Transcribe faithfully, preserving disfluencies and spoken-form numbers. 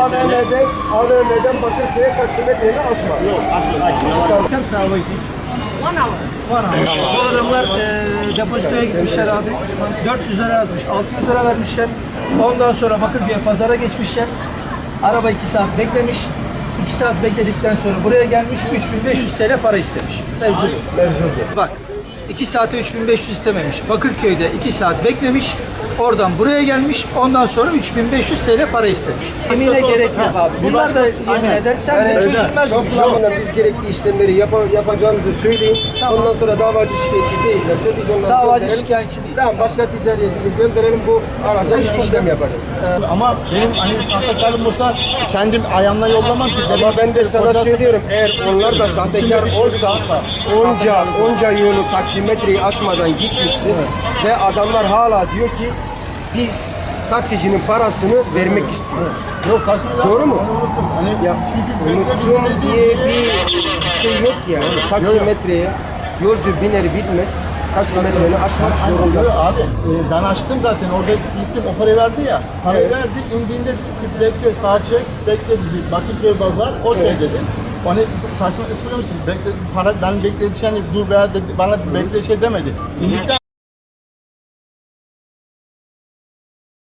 A V M'den, A V M'den Bakırköy'e taksimetreyi açma. Yok, açmadım. Kam saat waiting? One hour. One hour. Bu adamlar e, depozitoya gitmişler abi. dört yüz lira yazmış, altı yüz lira vermişler. Ondan sonra Bakırköy'e pazara geçmişler. Araba iki saat beklemiş. iki saat bekledikten sonra buraya gelmiş, üç bin beş yüz TL para istemiş. Mevzu bu. Mevzu bu. Bak, iki saate üç bin beş yüz istememiş. Bakırköy'de iki saat beklemiş. Oradan buraya gelmiş. Ondan sonra üç bin beş yüz TL para istemiş. Yemine gerek yok abi. Bunlar da yemin eder. Sen de çözülmez. Toplamında biz gerekli işlemleri yap yapacağımızı söyleyin. Tamam. Ondan sonra davacı şikayetçi değillerse biz onları Davacı gönderelim. şikayetçi değil. Tamam, başka ticariye gidip gönderelim, bu araca işlem yapacağız. Ama benim hani sahtekarım olsa kendim ayağımla yollamam ki. Ama ben de sana söylüyorum, eğer onlar da sahtekar olsa onca onca yolu taksimetreyi aşmadan gitmişsin ve adamlar hala diyor ki biz taksicinin parasını vermek istiyoruz. Yok, karşımda Doğru mu? unuttum. Hani Ya çünkü unuttum diye bir şey yok yani. Taksimetreye yolcu biner bilmez taksimetreyi aşmak Yok zorundasın. abi, e, ben açtım zaten, orada gittim, o parayı verdi ya, parayı Evet. verdi, indiğinde bekle, sağa çek, bekle bizi, Bakırköy Pazar, okey Evet. dedi. Hani saçma ismi demiştim, bekle, para, ben beklediğim şey, hani dur veya dedi, bana bekle şey demedi. İndikten